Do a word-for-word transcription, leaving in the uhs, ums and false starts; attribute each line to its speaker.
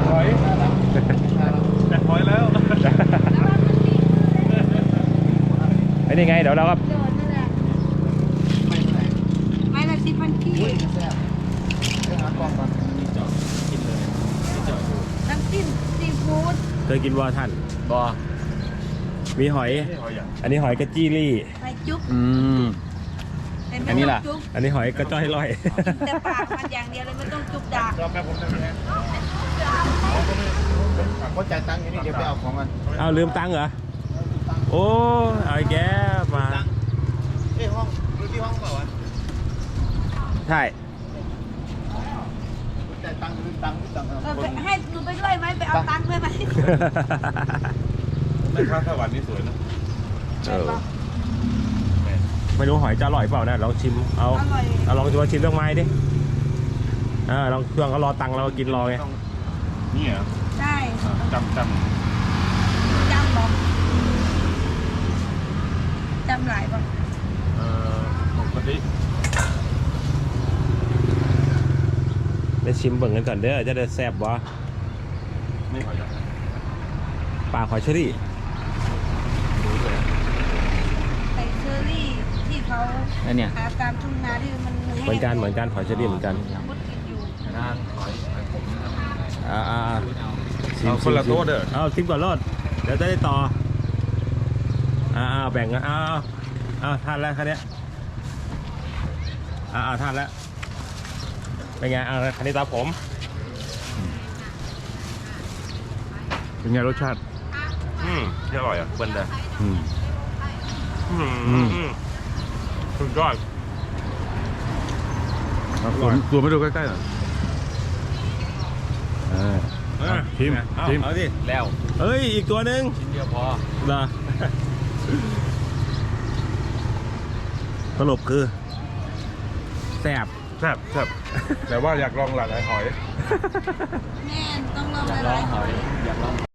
Speaker 1: หอยแจกหอยแล้วไอ้นี่ไงเดี๋ยวเราก็
Speaker 2: ไม่ละสิบพันกี่น้ำจิ้มซีฟู้ด
Speaker 1: เคยกินวอท่าน
Speaker 3: บอ
Speaker 1: มีหอย อันนี้หอยกระจี้รี่
Speaker 2: ไปจุ๊บ
Speaker 3: อืม อันนี้ล่ะ
Speaker 2: จุ๊บ
Speaker 1: อันนี้หอยกระจ้อยลอย
Speaker 2: แต่ปากมันอย่างเดียวเลยไม่ต้องจุ๊บดาก
Speaker 4: รอแป๊บผมได้ไหมเขาจ่ายตังค์อยู่นี่เดี๋ยวไปเอาของมัน
Speaker 1: เอาลืมตังค์เหรอ โอ้เอาแกมา
Speaker 4: เอ้ห้องดูที่ห้องเปล่าวะ
Speaker 1: ใช่
Speaker 4: จ่ายตังค์ลืมตังค์ลืมตังค์
Speaker 2: เออไปให้หนูไปด้วยไหมไปเอาตังค์ด้วยไหม
Speaker 4: แม่ค้าสวรรค์นี่สวยนะ
Speaker 1: เออไม่รู้หอยจะอร่อยเปล่านะลองชิมเอา
Speaker 2: อร่อย
Speaker 1: เอาลองชิมชิมเครื่องไม้ดิอ่าลองเครื่องเขารอตังค์เรากินรอไง
Speaker 4: นี่เหรอ
Speaker 2: ใช่
Speaker 4: จำจ
Speaker 2: จำบอกจำหลายบอก
Speaker 4: ำเอ่อปกติ
Speaker 1: ได้ชิมเบิ่งกันก่อนเด้อจะได้แซ่บวะ
Speaker 4: ไม่ขอจับ
Speaker 1: ปลาหอยเชอรี่
Speaker 2: ไอเชอรี่ที่เขา
Speaker 3: แล้วเนี่ย
Speaker 2: หาตามทุ่งนาที่มันแห้ง
Speaker 1: เหมือนกันเหมือนกันหอยเชอรี่เหมือนกัน
Speaker 2: มดกินอยู่
Speaker 3: ร้านหอยผม
Speaker 1: อ่าอ่า
Speaker 4: เอาคนละโต๊ะเด้อ
Speaker 1: เอาชิมก่อนรอดเดี๋ยวจะได้ต่ออ่าอ่าแบ่งกันอ้าวอ้าวทานแล้วคันนี้ยอ่าอ่าทานแล้วเป็นไงอ่าคันนี้ตาผม
Speaker 4: เป็นไงรสชาติ
Speaker 1: อืมอร่อยอ่ะเบิ้ลเลย
Speaker 4: อืม
Speaker 1: อืม
Speaker 4: อืม
Speaker 1: อืมสุดยอด
Speaker 4: ตัวตัวไม่ดูใกล้ๆหน่อยเออ
Speaker 1: เออ
Speaker 4: ชิม
Speaker 1: เอา
Speaker 4: ชิม
Speaker 1: เอาดิ
Speaker 3: แล้ว
Speaker 1: เฮ้ยอีกตัวหนึ่ง
Speaker 3: ชิ้นเดียวพอ
Speaker 1: เหรอ สรุปคือแซ่บ
Speaker 4: แซ่บแซ่บแต่ว่าอยากลองหลายๆหอย
Speaker 2: แม่ต้องลอง
Speaker 3: อยาก
Speaker 2: ห
Speaker 3: ลอ
Speaker 2: ลาง ยๆ
Speaker 3: หอยอยากลอง